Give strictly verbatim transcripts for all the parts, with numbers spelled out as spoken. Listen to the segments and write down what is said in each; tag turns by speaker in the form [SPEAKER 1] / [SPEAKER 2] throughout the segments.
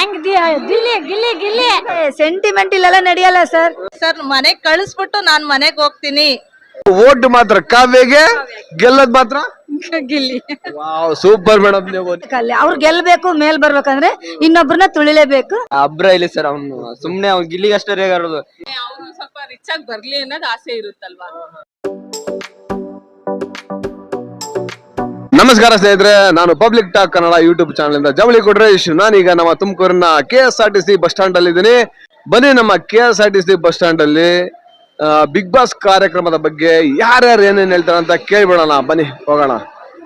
[SPEAKER 1] ಹೆಂಗ್ ಗಿಲ್ಲಿ ಗಿಲ್ಲಿ ಗಿಲ್ಲಿ ಸೆಂಟಿಮೆಂಟ್ ಇಲ್ಲೆಲ್ಲ ನಡೆಯಲ್ಲ ಸರ್.
[SPEAKER 2] ಸರ್ ಮನೆಗ್ ಕಳಿಸ್ಬಿಟ್ಟು ನಾನ್ ಮನೆಗ್ ಹೋಗ್ತೀನಿ.
[SPEAKER 3] ಓಟ್ ಮಾತ್ರ ಕಾವ್ಯಗೆ, ಗೆಲ್ಲದ್ ಮಾತ್ರ
[SPEAKER 1] ಗಿಲ್ಲಿ.
[SPEAKER 3] ವಾವ್ ಸೂಪರ್ ಮೇಡಮ್ ನೀವು.
[SPEAKER 1] ಅವ್ರು ಗೆಲ್ಬೇಕು, ಮೇಲ್ ಬರ್ಬೇಕಂದ್ರೆ ಇನ್ನೊಬ್ರನ್ನ ತುಳಿಲೇಬೇಕು.
[SPEAKER 4] ಅಬ್ರ ಇಲ್ಲಿ ಸರ್, ಅವ್ನು ಸುಮ್ನೆ ಅವ್ನು ಗಿಲ್ಲಿಗೆ ಅಷ್ಟೇ ರೇಗಾಡೋದು.
[SPEAKER 2] ಅವ್ರು ಸ್ವಲ್ಪ ರಿಚ್ ಆಗಿ ಬರ್ಲಿ ಅನ್ನೋದು ಆಸೆ ಇರುತ್ತಲ್ವಾ.
[SPEAKER 3] ನಮಸ್ಕಾರ ಸ್ನೇಹಿತರೆ, ನಾನು public talk Kannada YouTube channel ಇಂದ ಜವಳಿ ಕೊಟ್ರೇಶ್. ನಾನೀಗ ನಮ್ಮ ತುಮಕೂರಿನ K S R T C bus stand ಅಲ್ಲಿ ಇದ್ದೀನಿ. ಬನ್ನಿ ನಮ್ಮ K S R T C bus stand ಅಲ್ಲಿ ಬಿಗ್ ಬಾಸ್ ಕಾರ್ಯಕ್ರಮದ ಬಗ್ಗೆ ಯಾರ್ಯಾರು ಏನೇನ್ ಹೇಳ್ತಾರೆ ಅಂತ ಕೇಳ್ಬಿಡೋಣ. ಬನ್ನಿ ಹೋಗೋಣ.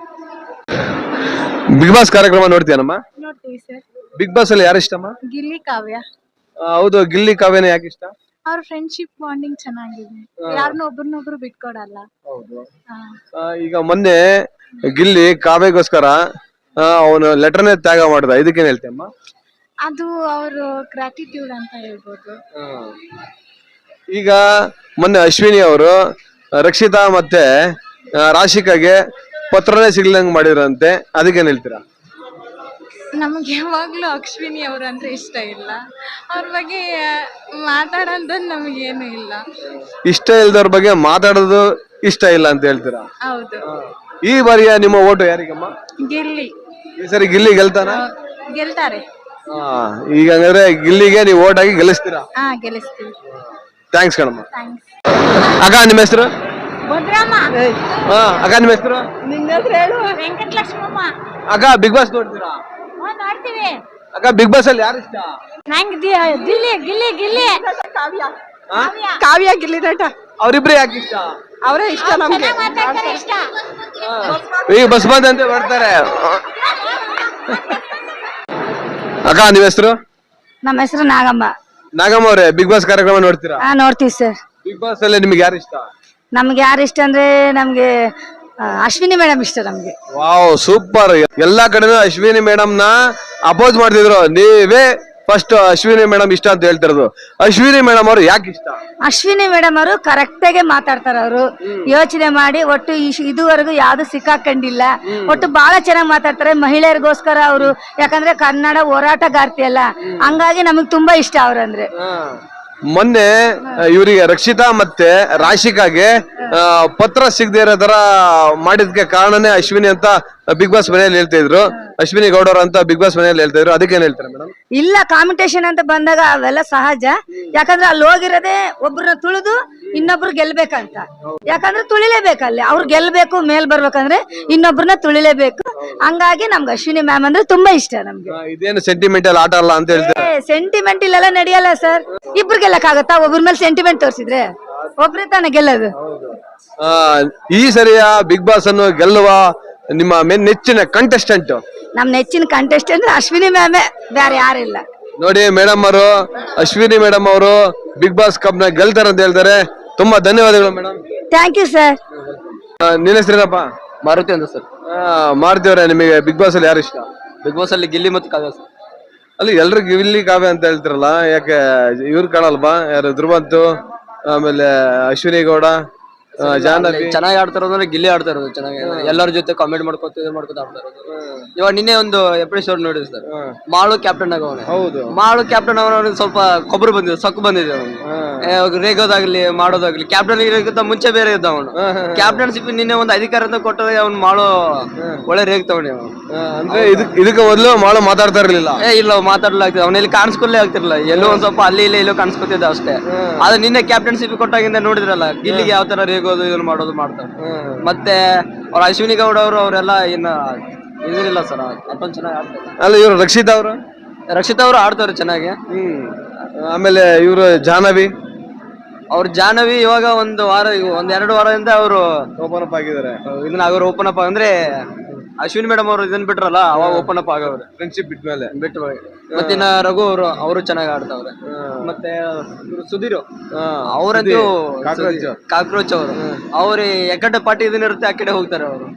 [SPEAKER 3] ಬಿಗ್ ಬಾಸ್ ಕಾರ್ಯಕ್ರಮ ನೋಡ್ತೀಯನಮ್ಮ?
[SPEAKER 1] ನೋಡ್ತೀವಿ ಸರ್.
[SPEAKER 3] ಬಿಗ್ ಬಾಸ್ ಅಲ್ಲಿ ಯಾರು ಇಷ್ಟಮ್ಮ?
[SPEAKER 1] ಗಿಲ್ಲಿ ಕಾವ್ಯ.
[SPEAKER 3] ಆ, ಹೌದು, ಗಿಲ್ಲಿ ಕಾವ್ಯನ ಯಾಕೆ ಇಷ್ಟ?
[SPEAKER 1] ಅವ್ರ ಫ್ರೆಂಡ್ಶಿಪ್ ಬಾಂಡಿಂಗ್ ಚೆನ್ನಾಗಿದೆ, ಯಾರನ್ನ ಒಬ್ರನ್ನೊಬ್ರು ಬಿಟ್ಕೊಡಲ್ಲ.
[SPEAKER 3] ಆ, ಈಗ ಮೊನ್ನೆ ಗಿಲ್ಲಿ ಕಾವ್ಯಗೋಸ್ಕರ ಅವನು ಲೆಟರ್ನೇ ತ್ಯಾಗ ಮಾಡಿದ, ಇದಕ್ಕೇನ್ ಹೇಳ್ತೀಯಮ್ಮ?
[SPEAKER 1] ಅದು ಅವರು ಗ್ರಾಟಿಟ್ಯೂಡ್ ಅಂತ ಹೇಳ್ಬೋದು.
[SPEAKER 3] ಈಗ ಮೊನ್ನೆ ಅಶ್ವಿನಿ ಅವರು ರಕ್ಷಿತಾ ಮತ್ತೆ ರಾಶಿಕಾಗೆ ಪತ್ರನೇ ಸಿಗ್ಲಂಗ್ ಮಾಡಿದ್ರಂತೆ, ಅದಕ್ಕೇನ್ ಹೇಳ್ತೀರಾ?
[SPEAKER 1] ನಮ್ಗೆ ಯಾವಾಗ್ಲೂ ಅಶ್ವಿನಿ ಅವ್ರಂದ್ರೆ ಇಷ್ಟ ಇಲ್ಲ. ಅವ್ರ ಬಗ್ಗೆ ಮಾತಾಡೋದು ನಮಗೇನು ಇಲ್ಲ.
[SPEAKER 3] ಇಷ್ಟ ಇಲ್ದವ್ರ ಬಗ್ಗೆ ಮಾತಾಡೋದು ಇಷ್ಟ ಇಲ್ಲ ಅಂತ ಹೇಳ್ತೀರಾ?
[SPEAKER 1] ಹೌದು.
[SPEAKER 3] ಈ ಬಾರಿಯ ನಿಮ್ಮ ಓಟು ಯಾರಿಗಮ್ಮ?
[SPEAKER 1] ಗಿಲ್ಲಿ.
[SPEAKER 3] ಈ ಸರಿ ಗಿಲ್ಲಿ ಗೆಲ್ತಾನ?
[SPEAKER 1] ಗೆಲ್ತಾರೆ.
[SPEAKER 3] ಹಾ, ಈಗ ಹಂಗಾದ್ರೆ ಗಿಲ್ಲಿಗೆ ನೀವು ಓಟ್ ಹಾಕಿ ಗೆಲ್ಲಿಸ್ತೀರಾ?
[SPEAKER 1] ಹಾ, ಗೆಲ್ಲಿಸ್ತೀವಿ.
[SPEAKER 3] ಥ್ಯಾಂಕ್ಸ್ ಕಣಮ್ಮ.
[SPEAKER 1] ಥ್ಯಾಂಕ್ಸ್.
[SPEAKER 3] ಅಕ್ಕ ನಿಮ್ಮ ಹೆಸರು?
[SPEAKER 1] ಭದ್ರಮ್ಮ.
[SPEAKER 3] ಹಾ, ಅಕ್ಕ ನಿಮ್ಮ ಹೆಸರು?
[SPEAKER 1] ನಿನ್ನ ಹೆಸರು ಹೇಳು. ವೆಂಕಟಲಕ್ಷ್ಮಮ್ಮ.
[SPEAKER 3] ಅಕ್ಕ ಬಿಗ್ ಬಾಸ್ ನೋಡ್ತೀರಾ?
[SPEAKER 1] ನೋಡ್ತೀವಿ.
[SPEAKER 3] ಅಕ್ಕ ಬಿಗ್ ಬಾಸ್ ಅಲ್ಲಿ ಯಾರು ಇಷ್ಟ?
[SPEAKER 1] ನಂಗ್ ಗಿಲ್ಲಿ ಗಿಲ್ಲಿ ಗಿಲ್ಲಿ. ಕಾವ್ಯ.
[SPEAKER 2] ಕಾವ್ಯ ಗಿಲ್ಲಿ ನಟ
[SPEAKER 3] ಅವ್ರಿಬ್ರು ಯಾಕೆ ಇಷ್ಟ?
[SPEAKER 2] ಅವರೇ ಇಷ್ಟ ನಮ್ಗೆ.
[SPEAKER 1] ಮಾತಾಡ್ತಾರೆ ಇಷ್ಟ.
[SPEAKER 3] ಈಗ ಬಸ್ ಬಂದಂತೆ ಬರ್ತಾರೆ. ಅಕ್ಕ ನಿಮ್ಮ ಹೆಸರು?
[SPEAKER 1] ನಮ್ಮ ಹೆಸರು ನಾಗಮ್ಮ.
[SPEAKER 3] ನಾಗಮ್ಮ ಅವ್ರೆ, ಬಿಗ್ ಬಾಸ್ ಕಾರ್ಯಕ್ರಮ ನೋಡ್ತೀರಾ?
[SPEAKER 1] ಹಾ, ನೋಡ್ತೀವಿ ಸರ್.
[SPEAKER 3] ಬಿಗ್ ಬಾಸ್ ಅಲ್ಲಿ ನಿಮ್ಗೆ ಯಾರು ಇಷ್ಟ?
[SPEAKER 1] ನಮ್ಗೆ ಯಾರು ಇಷ್ಟ ಅಂದ್ರೆ ನಮ್ಗೆ ಆ, ಅಶ್ವಿನಿ ಮೇಡಮ್ ಇಷ್ಟ ನಮ್ಗೆ.
[SPEAKER 3] Wow super. ಎಲ್ಲಾ ಕಡೆನೂ ಅಶ್ವಿನಿ ಮೇಡಮ್ ನ ಅಪೋಸ್ ಮಾಡ್ತಿದ್ರು, ನೀವೇ ಫಸ್ಟ್ ಅಶ್ವಿನಿ ಮೇಡಮ್ ಇಷ್ಟ ಅಂತ ಹೇಳ್ತಿರೋದು. ಅಶ್ವಿನಿ ಮೇಡಮ್ ಅವರು ಯಾಕೆ ಇಷ್ಟ?
[SPEAKER 1] ಅಶ್ವಿನಿ ಮೇಡಮ್ ಅವರು ಕರೆಕ್ಟ್ ಆಗಿ ಮಾತಾಡ್ತಾರ. ಅವರು ಯೋಚನೆ ಮಾಡಿ ಒಟ್ಟು ಇಶ್- ಇದುವರೆಗೂ ಯಾವ್ದು ಸಿಕ್ಕಾಕೊಂಡಿಲ್ಲ. ಒಟ್ಟು ಬಹಳ ಚೆನ್ನಾಗಿ ಮಾತಾಡ್ತಾರೆ ಮಹಿಳೆಯರಿಗೋಸ್ಕರ ಅವರು. ಯಾಕಂದ್ರೆ ಕನ್ನಡ ಹೋರಾಟಗಾರ್ತಿ ಅಲ್ಲ, ಹಂಗಾಗಿ ನಮಗ್ ತುಂಬಾ ಇಷ್ಟ ಅವ್ರಂದ್ರೆ.
[SPEAKER 3] ಮೊನ್ನೆ ಇವರಿಗೆ ರಕ್ಷಿತಾ ಮತ್ತೆ ರಾಶಿಕಾಗೆ ಆ, ಪತ್ರ ಸಿಗದೆ ಇರೋ ತರ ಮಾಡಿದ್ಕೆ ಕಾರಣನೇ ಅಶ್ವಿನಿ ಅಂತ ಬಿಗ್ ಬಾಸ್ ಮನೆಯಲ್ಲಿ ಹೇಳ್ತಾ ಇದ್ರು. ಅಶ್ವಿನಿ ಗೌಡರ್ ಅಂತ ಬಿಗ್ ಬಾಸ್ ಮನೆಯಲ್ಲಿ ಹೇಳ್ತಾ ಇದ್ರು, ಅದಕ್ಕೇನ್ ಹೇಳ್ತಾರೆ ಮೇಡಮ್?
[SPEAKER 1] ಇಲ್ಲ, ಕಾಂಪಿಟೇಷನ್ ಅಂತ ಬಂದಾಗ ಅವೆಲ್ಲ ಸಹಜ. ಯಾಕಂದ್ರೆ ಅಲ್ಲಿ ಹೋಗಿರೋದೇ ಒಬ್ರನ್ನ ತುಳಿದು ಇನ್ನೊಬ್ರು ಗೆಲ್ಬೇಕಂತ. ಯಾಕಂದ್ರೆ ತುಳಿಲೇಬೇಕಲ್ಲಿ, ಅವ್ರು ಗೆಲ್ಬೇಕು, ಮೇಲ್ ಬರ್ಬೇಕಂದ್ರೆ ಇನ್ನೊಬ್ರನ್ನ ತುಳಿಲೇಬೇಕು. ಹಂಗಾಗಿ ನಮ್ಗೆ ಅಶ್ವಿನಿ ಮ್ಯಾಮ್ ಅಂದ್ರೆ ತುಂಬಾ ಇಷ್ಟ ನಮ್ಗೆ.
[SPEAKER 3] ಇದೇನು ಸೆಂಟಿಮೆಂಟಲ್ ಆಟ ಅಲ್ಲ ಅಂತ ಹೇಳ್ತಾರೆ.
[SPEAKER 1] ಸೆಂಟಿಮೆಂಟ್ ಇಲ್ಲೆಲ್ಲ ನಡೆಯಲ್ಲ ಸರ್. ಇಬ್ರು ಗೆಲ್ಲಕ್ಕಾಗತ್ತಾ? ಒಬ್ರ ಮೇಲೆ ಸೆಂಟಿಮೆಂಟ್ ತೋರಿಸಿದ್ರೆ ಒಬ್ರೇ ತಾನೇ ಗೆಲ್ಲೋದು.
[SPEAKER 3] ಆ, ಈ ಸರಿಯ ಬಿಗ್ ಬಾಸ್ ಅನ್ನು ಗೆಲ್ಲುವ ನಿಮ್ಮ ಮೇನ್ ನೆಚ್ಚಿನ ಕಂಟೆಸ್ಟೆಂಟ್?
[SPEAKER 1] ನಮ್ ನೆಚ್ಚಿನ ಕಂಟೆಸ್ಟೆಂಟ್ ಅಶ್ವಿನಿ ಮ್ಯಾಮೇ, ಬೇರೆ ಯಾರಿಲ್ಲ.
[SPEAKER 3] ನೋಡಿ ಮೇಡಮ್ ಅವರು, ಅಶ್ವಿನಿ ಮೇಡಮ್ ಅವರು ಬಿಗ್ ಬಾಸ್ ಕಪ್ ನ ಗೆಲ್ತಾರೆ ಅಂತ ಹೇಳ್ತಾರೆ. ತುಂಬಾ ಧನ್ಯವಾದಗಳು ಮೇಡಮ್.
[SPEAKER 1] Thank you sir.
[SPEAKER 3] ನಿನ್ನ ಹೆಸರೇನಪ್ಪ?
[SPEAKER 4] ಮಾರುತಿ ಅಂತ ಸರ್.
[SPEAKER 3] ಮಾಡ್ತೀವ್ರೆ. ನಿಮಗೆ ಬಿಗ್ ಬಾಸ್ ಅಲ್ಲಿ ಯಾರು ಇಷ್ಟ?
[SPEAKER 4] ಬಿಗ್ ಬಾಸ್ ಅಲ್ಲಿ ಗಿಲ್ಲಿ ಮತ್ತು ಕಾವ್ಯ ಸರ್.
[SPEAKER 3] ಅಲ್ಲಿ ಎಲ್ರು ಗಿಲ್ಲಿ ಕಾವ್ಯ ಅಂತ ಹೇಳ್ತಿರಲ್ಲ, ಯಾಕೆ ಇವ್ರು ಕಾಣಲ್ವಾ? ಯಾರು ಧ್ರುವಂತು, ಆಮೇಲೆ ಅಶ್ವಿನಿ ಗೌಡ, ಜಾಹ್ನವಿ?
[SPEAKER 4] ಚೆನ್ನಾಗಿ ಆಡ್ತಾ ಇರೋದು ಅಂದ್ರೆ ಗಿಲ್ಲಿ ಆಡ್ತಾ ಇರೋದು ಚೆನ್ನಾಗಿ. ಎಲ್ಲರ ಜೊತೆ ಕಾಮೆಂಟ್ ಮಾಡ್ಕೊತ ಇದು ಮಾಡ್ಕೊತ ಆಡ್ತಾ ಇರೋದು. ಇವಾಗ ನಿನ್ನೆ ಒಂದು ಎಪಿಸೋಡ್ ನೋಡಿದ್ವಿ ಸರ್, ಮಾಳು ಕ್ಯಾಪ್ಟನ್ ಆಗವನೆ.
[SPEAKER 3] ಹೌದು,
[SPEAKER 4] ಮಾಳು ಕ್ಯಾಪ್ಟನ್ ಅವನ ಸ್ವಲ್ಪ ಕೊಬ್ಬರು ಬಂದಿದೆ, ಸೊಕ್ಕು ಬಂದಿದೆ ಅವನು. ರೇಗೋದಾಗ್ಲಿ ಮಾಡೋದಾಗ್ಲಿ, ಕ್ಯಾಪ್ಟನ್ ಇರೋಕ್ಕಿಂತ ಮುಂಚೆ ಬೇರೆ ಇದ್ದ ಅವನು. ಕ್ಯಾಪ್ಟನ್ಶಿಪ್ ನಿನ್ನೆ ಒಂದು ಅಧಿಕಾರ ಅಂತ ಕೊಟ್ಟರೆ ಅವ್ನು ಮಾಳು ಒಳ್ಳೆ ರೇಗ್ತವನಿ ಅವನು.
[SPEAKER 3] ಅಂದ್ರೆ ಇದಕ್ ಇದಕ್ಕೆ ಮೊದಲು ಮಾಳು ಮಾತಾಡ್ತಾ ಇರ್ಲಿಲ್ಲ.
[SPEAKER 4] ಏ ಇಲ್ಲ, ಮಾತಾಡ್ಲಾಗ್ತದೆ ಅವನಲ್ಲಿ ಕಾಣಿಸ್ಕೊಲ್ಲೇ ಆಗ್ತಿರ್ಲಿಲ್ಲ. ಎಲ್ಲೋ ಒಂದ್ ಸ್ವಲ್ಪ ಅಲ್ಲಿ ಇಲ್ಲಿ ಎಲ್ಲೋ ಕಾಣಿಸ್ಕೊತಿದ್ದ ಅಷ್ಟೇ. ಆದ್ರೆ ನಿನ್ನೆ ಕ್ಯಾಪ್ಟನ್ಶಿಪ್ ಕೊಟ್ಟಾಗಿಂದ ನೋಡಿದ್ರಲ್ಲ, ಗಿಲ್ಲಿಗೆ ಯಾವ ತರ ರೇಗೋದು ಇದನ್ನ ಮಾಡೋದು ಮಾಡ್ತಾರೆ. ಮತ್ತೆ ಅವ್ರ ಅಶ್ವಿನಿ ಗೌಡ ಅವರು ಅವರೆಲ್ಲ ಇನ್ನ ಇದಿಲ್ಲ ಸರ್, ಅಷ್ಟೊಂದು ಚೆನ್ನಾಗಿ ಆಡ್ತಾರೆ.
[SPEAKER 3] ಅಲ್ಲ ಇವ್ರು ರಕ್ಷಿತಾ ಅವರು?
[SPEAKER 4] ರಕ್ಷಿತಾ ಅವರು ಆಡ್ತಾರೆ ಚೆನ್ನಾಗಿ.
[SPEAKER 3] ಹ್ಮ್. ಆಮೇಲೆ ಇವ್ರು ಜಾಹ್ನವಿ?
[SPEAKER 4] ಅವ್ರ ಜಾಹ್ನವಿ ಇವಾಗ ಒಂದು ವಾರ ಒಂದ್ ಎರಡು ವಾರದಿಂದ ಅವರು
[SPEAKER 3] ಓಪನ್ ಅಪ್ ಆಗಿದ್ದಾರೆ.
[SPEAKER 4] ಇದನ್ನ ಆಗೋರು ಓಪನ್ ಅಪ್ ಅಂದ್ರೆ ಅಶ್ವಿನಿ ಮೇಡಮ್ ಅವರು ಇದನ್ನ ಬಿಟ್ರಲ್ಲ, ಅವಾಗ ಓಪನ್ ಅಪ್ ಆಗವ್ರೆ
[SPEAKER 3] ಫ್ರೆಂಡ್ಶಿಪ್ ಬಿಟ್ಮೇಲೆ.
[SPEAKER 4] ಬಿಟ್ಟು ಮತ್ತೆ ಇನ್ನ ರಘು ಅವರು ಅವರು ಚೆನ್ನಾಗಿ ಆಡ್ತಾವ್ರೆ. ಮತ್ತೆ ಇವ್ರು ಸುಧೀರ್ ಅವರಂತೂ ಕಾಕ್ರೋಚ್ ಅವರು, ಅವ್ರ ಎಕಡೆ ಪಾರ್ಟಿ ಇದನ್ನ ಇರುತ್ತೆ ಆ ಕಡೆ ಹೋಗ್ತಾರೆ ಅವರು.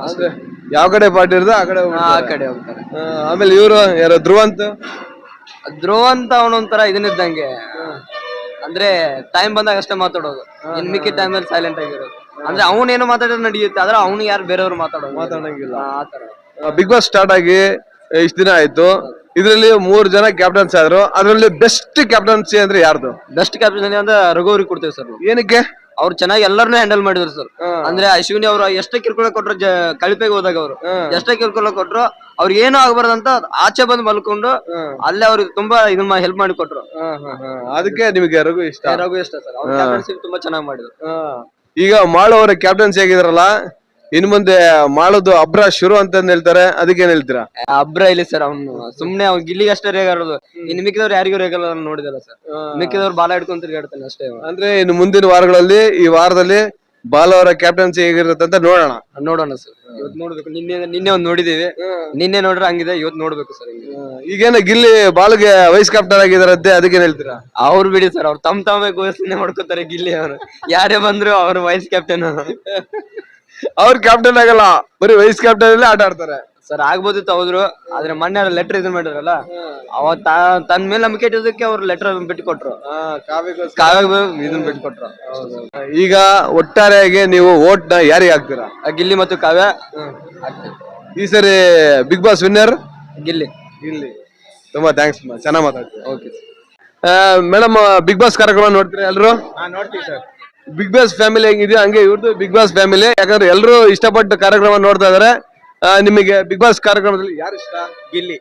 [SPEAKER 3] ಯಾವ ಕಡೆ ಪಾರ್ಟಿ ಇರುತ್ತೆ ಆ ಕಡೆ
[SPEAKER 4] ಆ ಕಡೆ ಹೋಗ್ತಾರೆ.
[SPEAKER 3] ಆಮೇಲೆ ಇವ್ರು ಯಾರು ಧ್ರುವಂತ್?
[SPEAKER 4] ಧ್ರುವ ಅಂತ ಅವನೊಂಥರ ಇದನ್ನಿದ್ದಂಗೆ, ಅಂದ್ರೆ ಟೈಮ್ ಬಂದಾಗ ಅಷ್ಟೇ ಮಾತಾಡೋದು, ಇನ್ ಮಿಕ್ಕಿ ಟೈಮ್ ಅಲ್ಲಿ ಸೈಲೆಂಟ್ ಆಗಿರೋದು. ಅಂದ್ರೆ ಅವನೇನು ಮಾತಾಡೋದು ನಡೆಯುತ್ತೆ, ಆದ್ರೆ ಅವನು ಯಾರು ಬೇರೆಯವ್ರು ಮಾತಾಡೋದು
[SPEAKER 3] ಮಾತಾಡಂಗಿಲ್ಲ.
[SPEAKER 4] ಆತರ.
[SPEAKER 3] ಬಿಗ್ ಬಾಸ್ ಸ್ಟಾರ್ಟ್ ಆಗಿ ಇಷ್ಟ ದಿನ ಆಯ್ತು. ಇದ್ರಲ್ಲಿ ಮೂರ್ ಜನ ಕ್ಯಾಪ್ಟನ್ಸ್ ಆದ್ರು, ಅದ್ರಲ್ಲಿ ಬೆಸ್ಟ್ ಕ್ಯಾಪ್ಟನ್ಸಿ ಅಂದ್ರೆ ಯಾರ್ದು?
[SPEAKER 4] ಬೆಸ್ಟ್ ಕ್ಯಾಪ್ಟನ್ ಅಂದ್ರೆ ರಘು ಅವ್ರಿಗೆ ಕೊಡ್ತೇವೆ ಸರ್.
[SPEAKER 3] ಏನಕ್ಕೆ?
[SPEAKER 4] ಅವ್ರು ಚೆನ್ನಾಗಿ ಎಲ್ಲರನ್ನೂ ಹ್ಯಾಂಡಲ್ ಮಾಡಿದ್ರು ಸರ್. ಅಂದ್ರೆ ಅಶ್ವಿನಿ ಅವರು ಎಷ್ಟೇ ಕಿರ್ಕೊಳ ಕೊಟ್ರು, ಕಳಿಪೆಗೆ ಹೋದಾಗ ಅವರು ಎಷ್ಟೇ ಕಿರ್ಕೊಳ ಕೊಟ್ರು ಅವ್ರಿಗೆ ಏನೂ ಆಗ್ಬಾರ್ದಂತ ಆಚೆ ಬಂದು ಮಲ್ಕೊಂಡು ಅಲ್ಲೇ ಅವ್ರಿಗೆ ತುಂಬಾ ಇದನ್ನ ಹೆಲ್ಪ್ ಮಾಡಿ ಕೊಟ್ರು.
[SPEAKER 3] ಅದಕ್ಕೆ ನಿಮಗೆ ರಘು ಇಷ್ಟ?
[SPEAKER 4] ರಘು ಇಷ್ಟ ಸರ್. ಅವ್ರ ಕ್ಯಾಪ್ಟನ್ಶಿಪ್ ತುಂಬಾ ಚೆನ್ನಾಗಿ ಮಾಡಿದ್ರು.
[SPEAKER 3] ಈಗ ಮಾಳು ಅವರ ಕ್ಯಾಪ್ಟನ್ಸಿ ಆಗಿದ್ರಲ್ಲ, ಇನ್ ಮುಂದೆ ಮಾಡೋದು ಅಬ್ರ ಶುರು ಅಂತ ಹೇಳ್ತಾರೆ, ಅದಕ್ಕೆ ಏನ್ ಹೇಳ್ತೀರಾ?
[SPEAKER 4] ಅಬ್ರ ಇಲ್ಲಿ ಸರ್, ಅವ್ನು ಸುಮ್ನೆ ಅವ್ನು ಗಿಲ್ಲಿಗೆ ಅಷ್ಟೇ ರೇಗಾಡೋದು, ಇನ್ನು ಮಿಕ್ಕಿದವ್ರು ಯಾರಿಗೂ ರೇಗಲ್ಲ ನೋಡಿದಲ್ಲ ಸರ್. ಮಿಕ್ಕಿದವ್ರು ಬಾಲ ಹಿಡ್ಕೊಂಡ್ ತಿರ್ಗಾಡ್ತಾನೆ ಅಷ್ಟೇ.
[SPEAKER 3] ಅಂದ್ರೆ ಇನ್ನು ಮುಂದಿನ ವಾರಗಳಲ್ಲಿ, ಈ ವಾರದಲ್ಲಿ ಬಾಲ್ ಅವರ ಕ್ಯಾಪ್ಟನ್ಸಿ ಹೇಗಿರುತ್ತೆ ಅಂತ ನೋಡೋಣ.
[SPEAKER 4] ನೋಡೋಣ ಸರ್. ಇವತ್ತು ನೋಡ್ಬೇಕು. ನಿನ್ನೆ ನಿನ್ನೆ ಒಂದ್ ನೋಡಿದೀವಿ, ನಿನ್ನೆ ನೋಡ್ರೆ ಹಂಗಿದೆ, ಇವತ್ತು ನೋಡ್ಬೇಕು ಸರ್.
[SPEAKER 3] ಈಗೇನ ಗಿಲ್ಲಿ ಬಾಲ್ಗೆ ವೈಸ್ ಕ್ಯಾಪ್ಟನ್ ಆಗಿದಾರಂತೆ, ಅದಕ್ಕೇನ್ ಹೇಳ್ತೀರಾ?
[SPEAKER 4] ಅವ್ರು ಬಿಡಿ ಸರ್, ಅವ್ರು ತಮ್ ತಮ್ಮೇ ಘೋಷಣೆ ಮಾಡ್ಕೋತಾರೆ ಗಿಲ್ಲಿ ಅವರು. ಯಾರೇ ಬಂದ್ರು ಅವ್ರು ವೈಸ್ ಕ್ಯಾಪ್ಟನ್.
[SPEAKER 3] ಅವ್ರ ಕ್ಯಾಪ್ಟನ್ ಆಗಲ್ಲ, ಬರೀ ವೈಸ್ ಕ್ಯಾಪ್ಟನ್ ಅಲ್ಲೇ ಆಟ ಆಡ್ತಾರೆ
[SPEAKER 4] ಸರ್. ಆಗ್ಬೋದಿತ್ತು ಹೌದ್ರು, ಆದ್ರೆ ಮೊನ್ನೆ ಲೆಟರ್ ಇದನ್ ಮಾಡಿರಲ್ಲ, ಅವತ್ ತನ್ ಮೇಲೆ ನಂಬಿಕೆ ಇಟ್ಟೋದಕ್ಕೆ ಅವ್ರು ಲೆಟರ್ ಬಿಟ್ಟು ಕೊಟ್ರು, ಕಾವ್ಯ ಇದನ್ ಬಿಟ್ಟು ಕೊಟ್ರು.
[SPEAKER 3] ಈಗ ಒಟ್ಟಾರೆಯಾಗಿ ನೀವು ವೋಟ್ ನ ಯಾರಿಗೆ ಹಾಕ್ತೀರಾ?
[SPEAKER 4] ಗಿಲ್ಲಿ ಮತ್ತು ಕಾವ್ಯ.
[SPEAKER 3] ಈ ಸರಿ Bigg Boss winner
[SPEAKER 4] Gilli.
[SPEAKER 3] Gilli. ತುಂಬಾ ಥ್ಯಾಂಕ್ಸ್, ಚೆನ್ನಾಗ್ ಮಾತಾಡ್ತೀವಿ.
[SPEAKER 4] ಓಕೆ
[SPEAKER 3] ಮೇಡಮ್, ಬಿಗ್ ಬಾಸ್ ಕಾರ್ಯಕ್ರಮ ನೋಡ್ತೀರಾ ಎಲ್ರು?
[SPEAKER 4] ನೋಡ್ತೀವಿ ಸರ್.
[SPEAKER 3] ಬಿಗ್ ಬಾಸ್ ಫ್ಯಾಮಿಲಿ ಹೆಂಗಿದೆಯೋ ಹಂಗೆ ಇವ್ರದ್ದು ಬಿಗ್ ಬಾಸ್ ಫ್ಯಾಮಿಲಿ. ಯಾಕಂದ್ರೆ ಎಲ್ಲರೂ ಇಷ್ಟಪಟ್ಟು ಕಾರ್ಯಕ್ರಮ ನೋಡ್ತಾ ಇದಾರೆ. ನಿಮಗೆ ಬಿಗ್ ಬಾಸ್ ಕಾರ್ಯಕ್ರಮದಲ್ಲಿ ಯಾರು ಇಷ್ಟ?
[SPEAKER 4] ಗಿಲ್ಲಿ.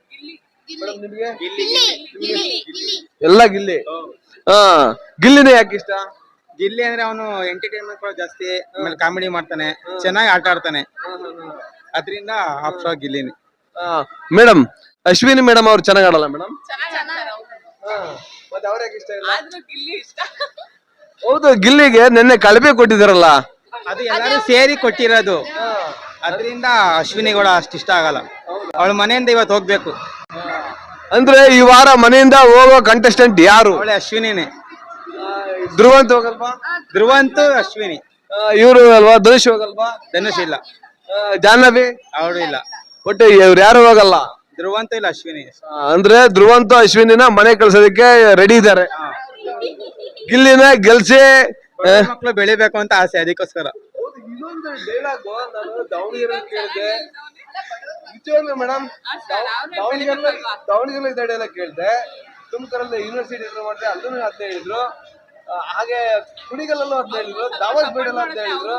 [SPEAKER 3] ಎಲ್ಲ ಗಿಲ್ಲಿ. ಹಾ, ಗಿಲ್ಲಿನೇ ಯಾಕೆ ಇಷ್ಟ?
[SPEAKER 5] ಗಿಲ್ಲಿ ಅಂದ್ರೆ ಅವನು ಎಂಟರ್ಟೈನ್ಮೆಂಟ್ ಕೂಡ ಜಾಸ್ತಿ, ಆಮೇಲೆ ಕಾಮಿಡಿ ಮಾಡ್ತಾನೆ, ಚೆನ್ನಾಗಿ ಆಟ ಆಡ್ತಾನೆ, ಅದರಿಂದ ಆಫ್ಟರ್ ಗಿಲ್ಲಿನಿ.
[SPEAKER 3] ಮೇಡಮ್, ಅಶ್ವಿನಿ ಮೇಡಮ್ ಅವ್ರು ಚೆನ್ನಾಗ್ ಆಡಲ್ಲ ಮೇಡಮ್? ಹೌದು, ಗಿಲ್ಲಿಗೆ ನಿನ್ನೆ ಕಳಪೆ ಕೊಟ್ಟಿದಾರಲ್ಲ,
[SPEAKER 5] ಅದು ಎಲ್ಲರೂ ಸೇರಿ ಕೊಟ್ಟಿರೋದು, ಅದರಿಂದ ಅಶ್ವಿನಿ ಕೂಡ ಅಷ್ಟು ಇಷ್ಟ ಆಗಲ್ಲ. ಅವಳ ಮನೆಯಿಂದ ಇವತ್ತು ಹೋಗ್ಬೇಕು
[SPEAKER 3] ಅಂದ್ರೆ ಈ ವಾರ ಮನೆಯಿಂದ ಹೋಗೋ ಕಂಟೆಸ್ಟೆಂಟ್ ಯಾರು?
[SPEAKER 5] ಅವಳೆ ಅಶ್ವಿನಿನೇ.
[SPEAKER 3] ಧ್ರುವಂತ್ ಹೋಗಲ್ವಾ?
[SPEAKER 5] ಧ್ರುವಂತು ಅಶ್ವಿನಿ.
[SPEAKER 3] ಇವ್ರು ಅಲ್ವಾ? ಧನುಷ್ ಹೋಗಲ್ವಾ?
[SPEAKER 5] ಧನುಷ್ ಇಲ್ಲ,
[SPEAKER 3] ಜಾಹ್ನವಿ
[SPEAKER 5] ಅವಳು ಇಲ್ಲ,
[SPEAKER 3] ಒಟ್ಟು ಇವ್ರು ಯಾರು ಹೋಗಲ್ಲ.
[SPEAKER 5] ಧ್ರುವಂತು ಇಲ್ಲ, ಅಶ್ವಿನಿ.
[SPEAKER 3] ಅಂದ್ರೆ ಧ್ರುವಂತ ಅಶ್ವಿನಿನ ಮನೆ ಕಳ್ಸೋದಕ್ಕೆ ರೆಡಿ ಇದ್ದಾರೆ. ಗಿಲ್ಲಿನ ಗೆಲ್ಸಿ
[SPEAKER 5] ಮಕ್ಕಳು ಬೆಳಿಬೇಕು ಅಂತ ಆಸೆ, ಅದಕ್ಕೋಸ್ಕರ.
[SPEAKER 3] ಮೇಡಮ್, ದಾವಣಗೆರೆ ಕೇಳಿದೆ, ತುಮಕೂರಲ್ಲಿ ಯೂನಿವರ್ಸಿಟಿ ಮಾಡಿದೆ, ಅಲ್ಲೂ ಅಂತ ಹೇಳಿದ್ರು. ಹಾಗೆ ಕುಣಿಗಲ್ಲೂ ಅಂತ ಹೇಳಿದ್ರು, ದಾವಸ್ ಬೇಡಲ್ಲ ಅಂತ ಹೇಳಿದ್ರು.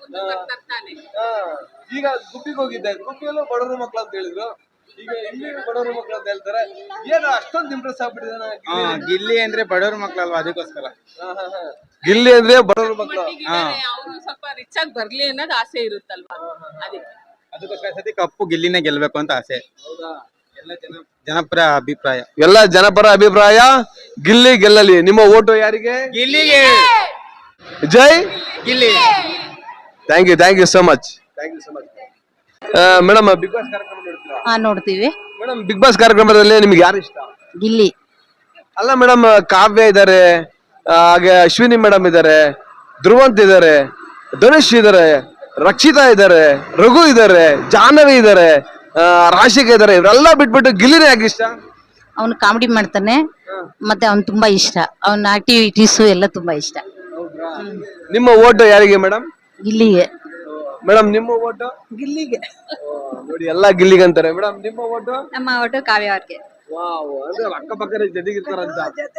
[SPEAKER 3] ಈಗ ಗುಬ್ಬಿಗೆ ಹೋಗಿದ್ದೆ, ಗುಬ್ಬಿಯಲ್ಲೂ ಬಡವರು ಮಕ್ಕಳು ಅಂತ ಹೇಳಿದ್ರು. ಈಗ ಇಲ್ಲಿ ಬಡವರು ಮಕ್ಕಳು ಅಂತ ಹೇಳ್ತಾರೆ. ಏನು ಅಷ್ಟೊಂದು ಇಂಪ್ರೆಸ್ ಆಗ್ಬಿಟ್ಟಿದ್ದಾನೆ
[SPEAKER 5] ಗಿಲ್ಲಿ ಅಂದ್ರೆ ಬಡವ್ರ ಮಕ್ಕಳಲ್ವಾ, ಅದಕ್ಕೋಸ್ಕರ.
[SPEAKER 3] ಗಿಲ್ಲಿ ಅಂದ್ರೆ ಬಡವರು ಮಕ್ಕಳು.
[SPEAKER 2] ಅವ್ರು ಸ್ವಲ್ಪ ರಿಚ್ ಆಗಿ ಬರ್ಲಿ ಅನ್ನೋದು ಆಸೆ ಇರುತ್ತಲ್ವಾ, ಅದಕ್ಕೆ
[SPEAKER 5] ಅದಕ್ಕೋಸ್ಕರ ಸತಿ ಕಪ್ಪು ಗಿಲ್ಲಿನೇ ಗೆಲ್ಬೇಕು ಅಂತ ಆಸೆ. ಎಲ್ಲ ಜನ ಜನಪರ ಅಭಿಪ್ರಾಯ.
[SPEAKER 3] ಎಲ್ಲ ಜನಪರ ಅಭಿಪ್ರಾಯ, ಗಿಲ್ಲಿ ಗೆಲ್ಲಲಿ. ನಿಮ್ಮ ಓಟು ಯಾರಿಗೆ?
[SPEAKER 5] ಗಿಲ್ಲಿಗೆ.
[SPEAKER 3] ಜೈ
[SPEAKER 5] Gilli.
[SPEAKER 3] Thank you, thank you so much. Thank you so much. Madam, Bigg Boss ಕಾರ್ಯಕ್ರಮ ನೋಡ್ತೀರಾ?
[SPEAKER 1] ಹಾ, ನೋಡ್ತೀವಿ.
[SPEAKER 3] ಮೇಡಮ್, ಬಿಗ್ ಬಾಸ್ ಕಾರ್ಯಕ್ರಮದಲ್ಲಿ ನಿಮ್ಗೆ ಯಾರು ಇಷ್ಟ?
[SPEAKER 1] ಗಿಲ್ಲಿ.
[SPEAKER 3] ಅಲ್ಲ ಮೇಡಮ್, ಕಾವ್ಯ ಇದಾರೆ, ಹಾಗೆ ಅಶ್ವಿನಿ ಮೇಡಮ್ ಇದಾರೆ, ಧ್ರುವಂತ್ ಇದಾರೆ, ಧನುಷ್ ಇದಾರೆ, ರಕ್ಷಿತಾ ಇದಾರೆ, ರಘು ಇದಾರೆ, ಜಾಹ್ನವಿ ಇದಾರೆ, ರಾಶಿಕಾ ಇದಾರೆ. ಇವರೆಲ್ಲ ಬಿಟ್ಬಿಟ್ಟು ಗಿಲ್ಲಿನೇ ಯಾಕೆ ಇಷ್ಟ?
[SPEAKER 1] ಅವನು ಕಾಮಿಡಿ ಮಾಡ್ತಾನೆ, ಮತ್ತೆ ಅವ್ನು ತುಂಬಾ ಇಷ್ಟ, ಅವನ ಆಕ್ಟಿವಿಟೀಸ್ ಎಲ್ಲ ತುಂಬಾ ಇಷ್ಟ.
[SPEAKER 3] ನಿಮ್ಮ ಓಟು ಯಾರಿಗೆ ಮೇಡಮ್?
[SPEAKER 1] ಗಿಲ್ಲಿಗೆ.
[SPEAKER 3] ಮೇಡಮ್, ನಿಮ್ಮ ಓಟು?
[SPEAKER 1] ಗಿಲ್ಲಿಗೆ.
[SPEAKER 3] ನೋಡಿ, ಎಲ್ಲಾ ಗಿಲ್ಲಿಗೆ ಅಂತಾರೆ. ಮೇಡಮ್, ನಿಮ್ಮ ಓಟು?
[SPEAKER 1] ನಮ್ಮ ಒಟ್ಟು ಕಾವ್ಯ ಅವ್ರಿಗೆ.
[SPEAKER 3] ಅಂದ್ರೆ ಅಕ್ಕಪಕ್ಕದ ಜೊತೆಗಿರ್ತಾರಂತ.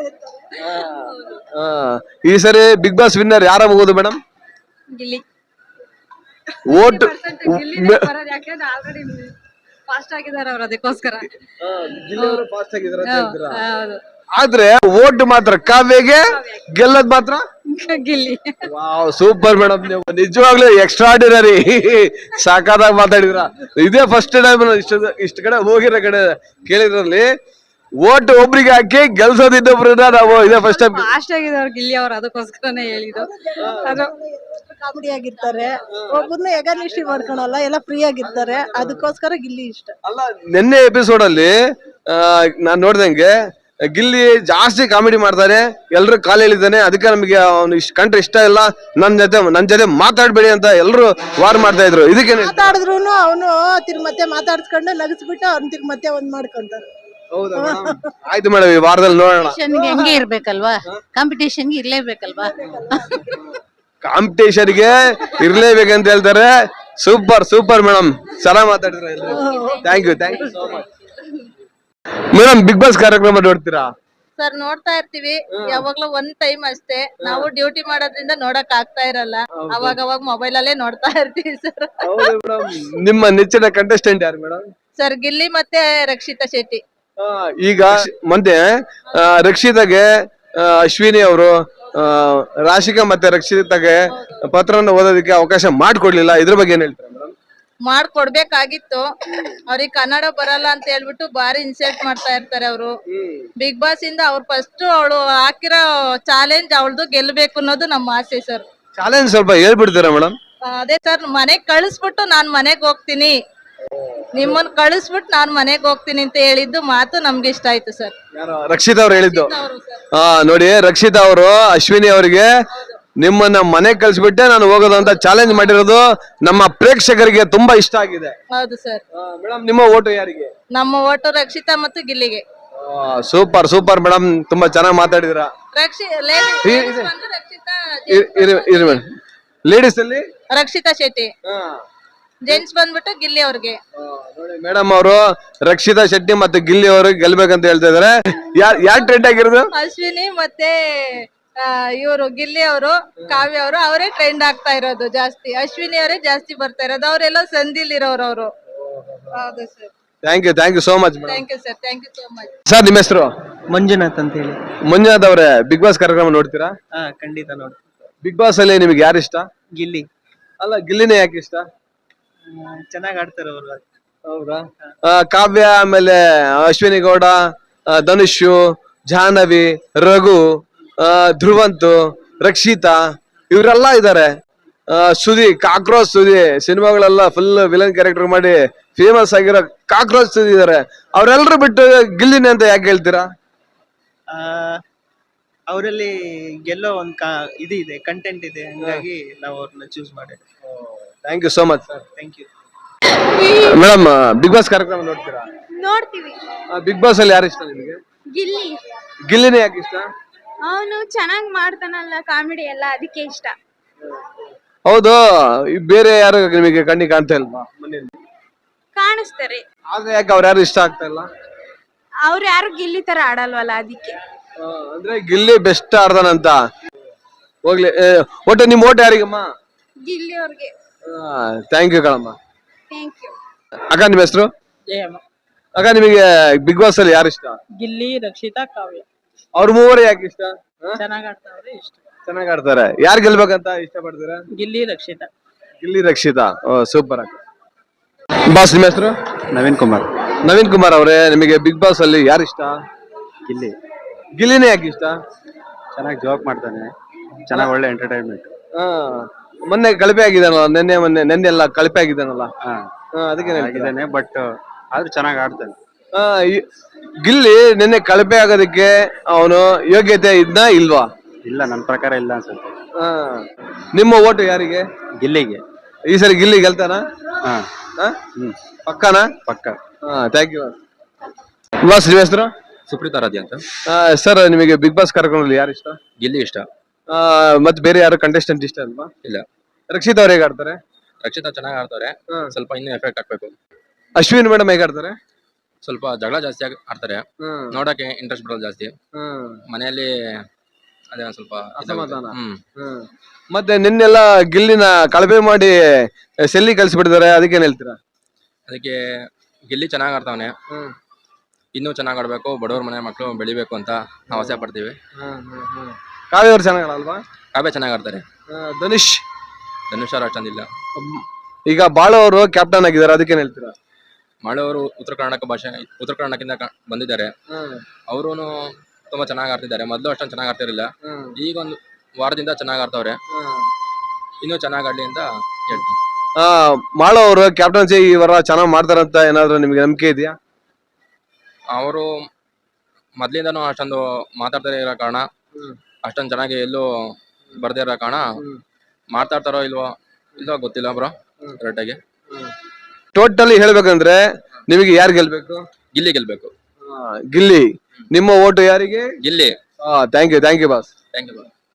[SPEAKER 3] ಈ ಸರಿ ಬಿಗ್ ಬಾಸ್ ವಿನ್ನರ್ ಯಾರಾಗಬಹುದು madam?
[SPEAKER 1] Gilli.
[SPEAKER 3] Vote
[SPEAKER 1] already fast ಆಗಿದ್ದಾರೆ ಅವ್ರು, ಅದಕ್ಕೋಸ್ಕರ.
[SPEAKER 3] ಫಾಸ್ಟ್ ಆಗಿದ್ದಾರೆ. ಆದ್ರೆ ಓಟ್ ಮಾತ್ರ ಕಾವ್ಯಗೆ, ಗೆಲ್ಲದ್ ಮಾತ್ರ
[SPEAKER 1] ಗಿಲ್ಲಿ.
[SPEAKER 3] ವಾವ್, ಸೂಪರ್ ಮೇಡಮ್, ನೀವು ನಿಜವಾಗ್ಲೂ ಎಕ್ಸ್ಟ್ರಾರ್ಡಿನರಿ. ಸಾಕಾದಾಗ ಮಾತಾಡಿದ್ರ. ಇದೇ ಫಸ್ಟ್ ಟೈಮ್ ಇಷ್ಟ ಇಷ್ಟ ಕಡೆ ಹೋಗಿರೋ ಕಡೆ ಕೇಳಿದ್ರಲ್ಲಿ ಓಟ್ ಒಬ್ರಿಗೆ ಹಾಕಿ ಗೆಲ್ಸೋದ್ ಇನ್ನೊಬ್ರನ್ನ ನಾವು ಇದೇ ಫಸ್ಟ್ ಟೈಮ್.
[SPEAKER 1] ಫಾಸ್ಟ್ ಆಗಿದ್ದಾರೆ ಗಿಲ್ಲಿ ಅವ್ರು, ಅದಕ್ಕೋಸ್ಕರನೇ ಹೇಳಿದ್ದು. ಅದು
[SPEAKER 6] ಕಾಮಿಡಿ ಆಗಿರ್ತಾರೆ, ಒಬ್ಬರನ್ನ ಎಗನಿಷ್ಠಿ ಮಾಡ್ಕೊಳಲ್ಲ, ಎಲ್ಲ ಫ್ರೀ ಆಗಿರ್ತಾರೆ, ಅದಕ್ಕೋಸ್ಕರ ಗಿಲ್ಲಿ ಇಷ್ಟ.
[SPEAKER 3] ಅಲ್ಲ, ನಿನ್ನೆ ಎಪಿಸೋಡ್ ಅಲ್ಲಿ ನಾನ್ ನೋಡ್ದಂಗೆ ಗಿಲ್ಲಿ ಜಾಸ್ತಿ ಕಾಮಿಡಿ ಮಾಡ್ತಾರೆ, ಎಲ್ರು ಕಾಲ್ ಹೇಳಿದ್ದಾನೆ. ಅದಕ್ಕೆ ನಮಗೆ ಅವ್ನು ಇಷ್ಟ ಕಂಡ್ರೆ ಇಷ್ಟ ಇಲ್ಲ, ನನ್ ಜೊತೆ ನನ್ ಜೊತೆ ಮಾತಾಡ್ಬೇಡಿ ಅಂತ ಎಲ್ರು ವಾರ್ ಮಾಡ್ತಾ ಇದ್ರು. ಇದಕ್ಕೆ
[SPEAKER 6] ಮಾತಾಡಿದ್ರು ಅವನು ತಿರ್ಗ ಮತ್ತೆ ಮಾತಾಡ್ಸ್ಕೊಂಡು ನಗಿಸ್ಬಿಟ್ಟು ಅವ್ನ ತಿರ್ಗ ಮತ್ತೆ ಒಂದ್ ಮಾಡ್ಕೊಂತಾರೆ.
[SPEAKER 3] ಹೌದಾ ಮೇಡಮ್? ಆಯ್ತು ಮೇಡಮ್, ಈ ವಾರದಲ್ಲಿ ನೋಡೋಣ.
[SPEAKER 1] ಹೆಂಗೆ ಇರ್ಬೇಕಲ್ವಾ, ಕಾಂಪಿಟೇಷನ್ಗೆ ಇರ್ಲೇಬೇಕಲ್ವಾ.
[SPEAKER 3] ಕಾಂಪಿಟೇಷನ್ಗೆ ಇರ್ಲೇಬೇಕಂತ ಹೇಳ್ತಾರೆ. ಸೂಪರ್ ಸೂಪರ್ ಮೇಡಮ್, ಚೆನ್ನಾಗಿ ಮಾತಾಡಿದ್ರೆ. Thank you, thank you so much. Madam Bigg Boss ಕಾರ್ಯಕ್ರಮ ನೋಡ್ತೀರಾ?
[SPEAKER 7] ಸರ್ ನೋಡ್ತಾ ಇರ್ತೀವಿ, ಯಾವಾಗ್ಲೂ ಒಂದ್ ಟೈಮ್ ಅಷ್ಟೇ. ನಾವು ಡ್ಯೂಟಿ ಮಾಡೋದ್ರಿಂದ ನೋಡಕ್ ಆಗ್ತಾ ಇರಲ್ಲ, ಅವಾಗ ಅವಾಗ ಮೊಬೈಲ್ ಅಲ್ಲೇ ನೋಡ್ತಾ ಇರ್ತೀವಿ ಸರ್.
[SPEAKER 3] ನಿಮ್ಮ ನೆಚ್ಚಿನ ಕಂಟೆಸ್ಟೆಂಟ್ ಯಾರು ಮೇಡಮ್?
[SPEAKER 7] ಸರ್ ಗಿಲ್ಲಿ ಮತ್ತೆ ರಕ್ಷಿತಾ ಶೆಟ್ಟಿ.
[SPEAKER 3] ಈಗ ಮೊನ್ನೆ ಆ, ರಕ್ಷಿತಾಗೆ ಆ, ಅಶ್ವಿನಿ ಅವರು ರಾಶಿಕಾ ಮತ್ತೆ ರಕ್ಷಿತಾಗೆ ಪತ್ರವನ್ನು ಓದೋದಕ್ಕೆ ಅವಕಾಶ ಮಾಡ್ಕೊಡ್ಲಿಲ್ಲ, ಇದ್ರ ಬಗ್ಗೆ ಏನ್ ಹೇಳ್ತಾರೆ ಮೇಡಮ್?
[SPEAKER 7] ಮಾಡ್ಕೊಡ್ಬೇಕಾಗಿತ್ತು, ಅವ್ರಿಗೆ ಕನ್ನಡ ಬರಲ್ಲ ಅಂತ ಹೇಳ್ಬಿಟ್ಟು ಬಾರಿ ಇನ್ಸಲ್ಟ್ ಮಾಡ್ತಾ ಇರ್ತಾರೆ ಅವರು. ಬಿಗ್ ಬಾಸ್ ಇಂದ ಅವ್ರು ಫಸ್ಟ್ ಅವಳು ಹಾಕಿರೋ ಚಾಲೆಂಜ್ ಅವಳದು ಗೆಲ್ಬೇಕು ಅನ್ನೋದು ನಮ್ಮ ಆಸೆ ಸರ್.
[SPEAKER 3] ಚಾಲೆಂಜ್ ಸ್ವಲ್ಪ ಹೇಳ್ಬಿಡ್ತೀರಾ ಮೇಡಮ್?
[SPEAKER 7] ಅದೇ ಸರ್, ಮನೆಗ್ ಕಳಿಸ್ಬಿಟ್ಟು ನಾನ್ ಮನೆಗ್ ಹೋಗ್ತೀನಿ, ನಿಮ್ಮನ್ ಕಳಿಸ್ಬಿಟ್ಟು ನಾನ್ ಮನೆಗ್ ಹೋಗ್ತೀನಿ ಅಂತ ಹೇಳಿದ್ದು ಮಾತು ನಮ್ಗೆ ಇಷ್ಟ ಆಯ್ತು ಸರ್.
[SPEAKER 3] ರಕ್ಷಿತಾ ಅವ್ರು ಹೇಳಿದ್ದು.
[SPEAKER 7] ಅವರು ಸರ್
[SPEAKER 3] ಹಾ ನೋಡಿ, ರಕ್ಷಿತಾ ಅವರು ಅಶ್ವಿನಿ ಅವರಿಗೆ ನಿಮ್ಮನ್ನ ಮನೆಗ್ ಕಳ್ಸಿಬಿಟ್ಟೆ ನಾನು ಹೋಗೋದು ಅಂತ ಚಾಲೆಂಜ್ ಮಾಡಿರೋದು ನಮ್ಮ ಪ್ರೇಕ್ಷಕರಿಗೆ ತುಂಬಾ ಇಷ್ಟ ಆಗಿದೆ.
[SPEAKER 7] ಹೌದು ಸರ್.
[SPEAKER 3] ಮೇಡಮ್ ನಿಮ್ಮ ಓಟು ಯಾರಿಗೆ?
[SPEAKER 7] ನಮ್ಮ ಓಟು ರಕ್ಷಿತಾ ಮತ್ತು ಗಿಲ್ಲಿಗೆ.
[SPEAKER 3] ಸೂಪರ್ ಸೂಪರ್ ಮೇಡಮ್, ತುಂಬಾ ಚೆನ್ನಾಗಿ ಮಾತಾಡಿದಿರಾ.
[SPEAKER 7] ರಕ್ಷಿ ಲೇಡೀಸ್ ಬಂದು ರಕ್ಷಿತಾ
[SPEAKER 3] ಇರಿ ಮೇಡಮ್, ಲೇಡೀಸ್ ಅಲ್ಲಿ
[SPEAKER 7] ರಕ್ಷಿತಾ ಶೆಟ್ಟಿ, ಜೆಂಟ್ಸ್ ಬಂದ್ಬಿಟ್ಟು ಗಿಲ್ಲಿ ಅವ್ರಿಗೆ.
[SPEAKER 3] ನೋಡಿ ಮೇಡಮ್ ಅವರು ರಕ್ಷಿತಾ ಶೆಟ್ಟಿ ಮತ್ತೆ ಗಿಲ್ಲಿ ಅವರು ಗೆಲ್ಬೇಕಂತ ಹೇಳ್ತಾ ಇದಾರೆ. ಯಾರ್ ಯಾರ್ ಟ್ರೆಂಡ್ ಆಗಿರೋದು?
[SPEAKER 7] ಅಶ್ವಿನಿ ಮತ್ತೆ ಇವರು ಗಿಲ್ಲಿ ಅವರು, ಕಾವ್ಯ ಅವರು, ಅವರೇ ಟ್ರೆಂಡ್ ಆಗ್ತಾ ಇರೋದು ಜಾಸ್ತಿ. ಅಶ್ವಿನಿ ಅವರೇ ಜಾಸ್ತಿ ಬರ್ತಾ ಇರೋದು, ಅವರೆಲ್ಲ ಸಂಧಿಲ್ ಇರೋರು ಅವರು. ಹೌದು sir.
[SPEAKER 3] Thank you thank you so much madam.
[SPEAKER 7] Thank you sir, thank you so much.
[SPEAKER 3] Sir ನಿಮ್ಮ ಹೆಸರು?
[SPEAKER 4] ಮಂಜುನಾಥ್ ಅಂತ ಹೇಳಿ.
[SPEAKER 3] ಮಂಜುನಾಥ್ ಅವರೇ, ಬಿಗ್ ಬಾಸ್ ಕಾರ್ಯಕ್ರಮ ನೋಡ್ತೀರಾ?
[SPEAKER 4] ಹಾ ಖಂಡಿತ ನೋಡಿ.
[SPEAKER 3] ಬಿಗ್ ಬಾಸ್ ಅಲ್ಲಿ ನಿಮ್ಗೆ ಯಾರು ಇಷ್ಟ?
[SPEAKER 4] ಗಿಲ್ಲಿ
[SPEAKER 3] ಅಲ್ಲ, ಗಿಲ್ಲಿನೇ ಯಾಕೆ ಇಷ್ಟ?
[SPEAKER 4] ಚೆನ್ನಾಗ್ ಆಡ್ತಾರೆ ಅವರು.
[SPEAKER 3] ಹೌದಾ? ಆ, ಕಾವ್ಯ, ಆಮೇಲೆ ಅಶ್ವಿನಿ ಗೌಡ, ಆ, ಧನುಷು, ಜಾಹ್ನವಿ, ರಘು, ಆ, ಧ್ರುವಂತು, ರಕ್ಷಿತಾ, ಇವರೆಲ್ಲ ಇದಾರೆ. ಸುದಿ, ಕಾಕ್ರೋಚ್ ಸುದಿ, ಸಿನಿಮಾಗಳೆಲ್ಲ ಫುಲ್ ವಿಲನ್ ಕ್ಯಾರೆಕ್ಟರ್ ಮಾಡಿ ಫೇಮಸ್ ಆಗಿರೋ ಕಾಕ್ರೋಚ್ ಸುದಿ ಇದಾರೆ. ಅವ್ರೆಲ್ರು ಬಿಟ್ಟು ಗಿಲ್ಲಿನೇ ಅಂತ ಯಾಕೆ ಹೇಳ್ತೀರಾ?
[SPEAKER 4] ಅವರಲ್ಲಿ ಗೆಲ್ಲೋ ಒಂದ್ ಇದು ಇದೆ, ಕಂಟೆಂಟ್ ಇದೆ, ಹಂಗಾಗಿ ನಾವು ಅವ್ರನ್ನ ಚೂಸ್ ಮಾಡಿ.
[SPEAKER 3] Thank you so much sir.
[SPEAKER 4] Thank you
[SPEAKER 3] madam. Bigg Boss ಕಾರ್ಯಕ್ರಮ ನೋಡ್ತೀರಾ?
[SPEAKER 8] ನೋಡ್ತೀವಿ.
[SPEAKER 3] ಬಿಗ್ ಬಾಸ್ ಅಲ್ಲಿ ಯಾರು ಇಷ್ಟ ನಿಮಗೆ?
[SPEAKER 8] ಗಿಲ್ಲಿ,
[SPEAKER 3] ಗಿಲ್ಲಿನೇ ಯಾಕೆ ಇಷ್ಟ?
[SPEAKER 8] ಅವನು ಚೆನ್ನಾಗ್ ಮಾಡ್ತಾನಲ್ಲ ಕಾಮಿಡಿ ಎಲ್ಲ, ಅದಕ್ಕೆ ಇಷ್ಟ.
[SPEAKER 3] ಹೌದು, ಈ ಬೇರೆ ಯಾರು ನಿಮಗೆ ಕಣ್ಣಿ ಕಾಣ್ತಾ ಇಲ್ವಾ ಮನೆಯಲ್ಲಿ?
[SPEAKER 8] ಕಾಣಿಸ್ತಾರೆ,
[SPEAKER 3] ಆದ್ರೆ ಯಾಕೆ ಅವ್ರು ಯಾರು ಇಷ್ಟ ಆಗ್ತಾ ಇಲ್ಲ?
[SPEAKER 8] ಅವ್ರು ಯಾರು ಗಿಲ್ಲಿ ತರ ಆಡಲ್ವಲ್ಲ, ಅದಕ್ಕೆ.
[SPEAKER 3] ಆ, ಅಂದ್ರೆ ಗಿಲ್ಲಿ ಬೆಸ್ಟ್ ಆಡ್ದಾನಂತ. ಹೋಗ್ಲಿ, ಏ, ಒಟ್ಟು ನಿಮ್ ಓಟ್ ಯಾರಿಗಮ್ಮ?
[SPEAKER 8] ಗಿಲ್ಲಿ ಅವ್ರಿಗೆ.
[SPEAKER 3] ಥ್ಯಾಂಕ್ ಯು ಕಣಮ್ಮ.
[SPEAKER 8] Thank you.
[SPEAKER 3] ಅಕ್ಕ ನಿಮ್ಮ ಹೆಸರು? ಅಕ್ಕ, ನಿಮಗೆ ಬಿಗ್ ಬಾಸ್ ಅಲ್ಲಿ ಯಾರು ಇಷ್ಟ?
[SPEAKER 7] ಗಿಲ್ಲಿ, ರಕ್ಷಿತಾ, ಕಾವ್ಯ.
[SPEAKER 3] ಅವ್ರ ಮೂವರು ಯಾಕೆ ಇಷ್ಟ?
[SPEAKER 7] ಚೆನ್ನಾಗ್ ಆಡ್ತಾವ್ರೆ, ಇಷ್ಟ.
[SPEAKER 3] ಚೆನ್ನಾಗ್ ಆಡ್ತಾರೆ. ಯಾರು ಗೆಲ್ಬೇಕಂತ ಇಷ್ಟ ಪಡ್ತೀರಾ?
[SPEAKER 7] ಗಿಲ್ಲಿ, ರಕ್ಷಿತಾ.
[SPEAKER 3] ಗಿಲ್ಲಿ, ರಕ್ಷಿತಾ. ಓ ಸೂಪರ್ ಅಕ್ಕ. ಬಾಸ್ ನಿಮ್ಮ ಹೆಸರು?
[SPEAKER 5] ನವೀನ್ ಕುಮಾರ್.
[SPEAKER 3] ನವೀನ್ ಕುಮಾರ್ ಅವರೇ, ನಿಮಗೆ ಬಿಗ್ ಬಾಸ್ ಅಲ್ಲಿ ಯಾರು ಇಷ್ಟ?
[SPEAKER 5] ಗಿಲ್ಲಿ
[SPEAKER 3] ಗಿಲ್ಲಿನೇ ಯಾಕೆ ಇಷ್ಟ?
[SPEAKER 5] ಚೆನ್ನಾಗಿ ಜೋಕ್ ಮಾಡ್ತಾನೆ, ಚೆನ್ನಾಗಿ ಒಳ್ಳೆ ಎಂಟರ್ಟೈನ್ಮೆಂಟ್.
[SPEAKER 3] ಆ, ಮೊನ್ನೆ ಕಳಪೆ ಆಗಿದಾನಲ್ಲ, ನೆನ್ನೆ ಮೊನ್ನೆ ನೆನ್ನೆ ಎಲ್ಲ ಕಳಪೆ ಆಗಿದಾನಲ್ಲ, ಅದಕ್ಕೆ
[SPEAKER 5] ಆಗಿದ್ದಾನೆ, ಬಟ್ ಆದ್ರೂ ಚೆನ್ನಾಗಿ ಆಡ್ತಾನೆ.
[SPEAKER 3] ಆ, ಈ- ಗಿಲ್ಲಿ ನಿನ್ನೆ ಕಳಪೆ ಆಗೋದಕ್ಕೆ ಅವನು ಯೋಗ್ಯತೆ ಇದ್ನ ಇಲ್ವಾ?
[SPEAKER 5] ಇಲ್ಲ, ನನ್ನ ಪ್ರಕಾರ ಇಲ್ಲ ಅನ್ಸುತ್ತೆ.
[SPEAKER 3] ಆ, ನಿಮ್ಮ ಓಟು ಯಾರಿಗೆ?
[SPEAKER 5] ಗಿಲ್ಲಿಗೆ.
[SPEAKER 3] ಈ ಸರಿ ಗಿಲ್ಲಿ ಗೆಲ್ತಾನ?
[SPEAKER 5] ಹಾ
[SPEAKER 3] ಆ?
[SPEAKER 5] ಹ್ಮ್
[SPEAKER 3] ಪಕ್ಕನಾ?
[SPEAKER 5] ಪಕ್ಕ.
[SPEAKER 3] Thank you boss. ನಿಮ್ಮ ಹೆಸರು?
[SPEAKER 9] ಸುಪ್ರೀತ್ ಆರಾಧ್ಯ ಅಂತ.
[SPEAKER 3] ಸರ್, ನಿಮಗೆ ಬಿಗ್ ಬಾಸ್ ಕಾರ್ಯಕ್ರಮದಲ್ಲಿ ಯಾರು ಇಷ್ಟ?
[SPEAKER 9] ಗಿಲ್ಲಿ ಇಷ್ಟ.
[SPEAKER 3] ಆ, ಮತ್ತೆ ಬೇರೆ ಯಾರು ಕಂಟೆಸ್ಟೆಂಟ್ ಇಷ್ಟ ಅಲ್ವಾ?
[SPEAKER 9] ಇಲ್ಲ.
[SPEAKER 3] ರಕ್ಷಿತ್ ಅವ್ರು ಹೇಗೆ ಆಡ್ತಾರೆ?
[SPEAKER 9] ರಕ್ಷಿತಾ ಚೆನ್ನಾಗಿ ಆಡ್ತಾರೆ, ಸ್ವಲ್ಪ ಇನ್ನೂ ಎಫೆಕ್ಟ್ ಹಾಕ್ಬೇಕು.
[SPEAKER 3] ಅಶ್ವಿನ್ ಮೇಡಮ್ ಹೇಗೆ ಆಡ್ತಾರೆ?
[SPEAKER 9] ಸ್ವಲ್ಪ ಜಗಳ ಜಾಸ್ತಿ ಆಗಿ ಆಡ್ತಾರೆ, ನೋಡಕ್ಕೆ ಇಂಟ್ರೆಸ್ಟ್ ಬರೋದು ಜಾಸ್ತಿ. ಮನೆಯಲ್ಲಿ ಅದೇ ಒಂದ್ ಸ್ವಲ್ಪ
[SPEAKER 3] ಅಸಮಾಧಾನ.
[SPEAKER 9] ಹ್ಮ್
[SPEAKER 3] ಮತ್ತೆ ನಿನ್ನೆಲ್ಲ ಗಿಲ್ಲಿನ ಕಳಪೆ ಮಾಡಿ ಸೆಲ್ಲಿ ಕಳ್ಸಿಬಿಟ್ಟಿದ್ದಾರೆ, ಅದಕ್ಕೇನ್ ಹೇಳ್ತೀರಾ?
[SPEAKER 9] ಅದಕ್ಕೆ ಗಿಲ್ಲಿ ಚೆನ್ನಾಗಿ ಆಡ್ತಾವನೆ, ಇನ್ನೂ ಚೆನ್ನಾಗಿ ಆಡ್ಬೇಕು, ಬಡವ್ರ ಮನೆ ಮಕ್ಕಳು ಬೆಳಿಬೇಕು ಅಂತ ನಾವು ಆಸೆ ಪಡ್ತೀವಿ.
[SPEAKER 3] ಕಾವ್ಯ ಅವ್ರು ಚೆನ್ನಾಗಿ ಆಡಲ್ವಾ?
[SPEAKER 9] ಕಾವ್ಯ ಚೆನ್ನಾಗಿ ಆಡ್ತಾರೆ.
[SPEAKER 3] ಧನುಷ್
[SPEAKER 9] ಧನುಷ್ ಅವ್ರು ಅಷ್ಟೊಂದಿಲ್ಲ.
[SPEAKER 3] ಈಗ ಬಾಳು ಅವರು ಕ್ಯಾಪ್ಟನ್ ಆಗಿದ್ದಾರೆ, ಅದಕ್ಕೇನ್ ಹೇಳ್ತೀರಾ?
[SPEAKER 9] ಮಾಳವರು ಉತ್ತರ ಕರ್ನಾಟಕ ಭಾಷೆ ಉತ್ತರ ಕರ್ನಾಟಕದಿಂದ ಕ- ಬಂದಿದ್ದಾರೆ. ಅವರು ತುಂಬಾ ಚೆನ್ನಾಗಿ ಆಡ್ತಿದ್ದಾರೆ. ಮೊದಲು ಅಷ್ಟೊಂದು ಚೆನ್ನಾಗಿ ಆಡ್ತಿರಲಿಲ್ಲ, ಈಗ ಒಂದು ವಾರದಿಂದ ಚೆನ್ನಾಗಿ ಆಡ್ತಾವ್ರೆ. ಇನ್ನೂ ಚೆನ್ನಾಗಿ ಆಡ್ಲಿ ಅಂತ ಹೇಳ್ತೀನಿ.
[SPEAKER 3] ಆ, ಮಾಳು ಅವರು ಕ್ಯಾಪ್ಟನ್ಸಿ ಈ ವಾರ ಚೆನ್ನಾಗಿ ಮಾಡ್ತಾರಂತ ಏನಾದ್ರು ನಿಮ್ಗೆ ನಂಬಿಕೆ ಇದೆಯಾ?
[SPEAKER 9] ಅವರು ಮೊದ್ಲಿಂದನೂ ಅಷ್ಟೊಂದು ಮಾತಾಡ್ತಾರೆ ಇರೋ ಕಾರಣ, ಅಷ್ಟೊಂದು ಚೆನ್ನಾಗಿ ಎಲ್ಲೂ ಬರ್ದೇ ಇರೋ ಕಾರಣ ಮಾತಾಡ್ತಾರೋ ಇಲ್ವೋ ಇಲ್ವೋ ಗೊತ್ತಿಲ್ಲ ಬ್ರೋ ಕರೆಕ್ಟಾಗಿ.
[SPEAKER 3] ಟೋಟಲಿ ಹೇಳ್ಬೇಕಂದ್ರೆ ನಿಮಗೆ ಯಾರು ಗೆಲ್ಬೇಕು?
[SPEAKER 9] ಗಿಲ್ಲಿ ಗೆಲ್ಬೇಕು.
[SPEAKER 3] ಗಿಲ್ಲಿ. ನಿಮ್ಮ ಓಟು ಯಾರಿಗೆ?
[SPEAKER 9] Gilli.
[SPEAKER 3] Thank you thank you boss.
[SPEAKER 9] Thank you.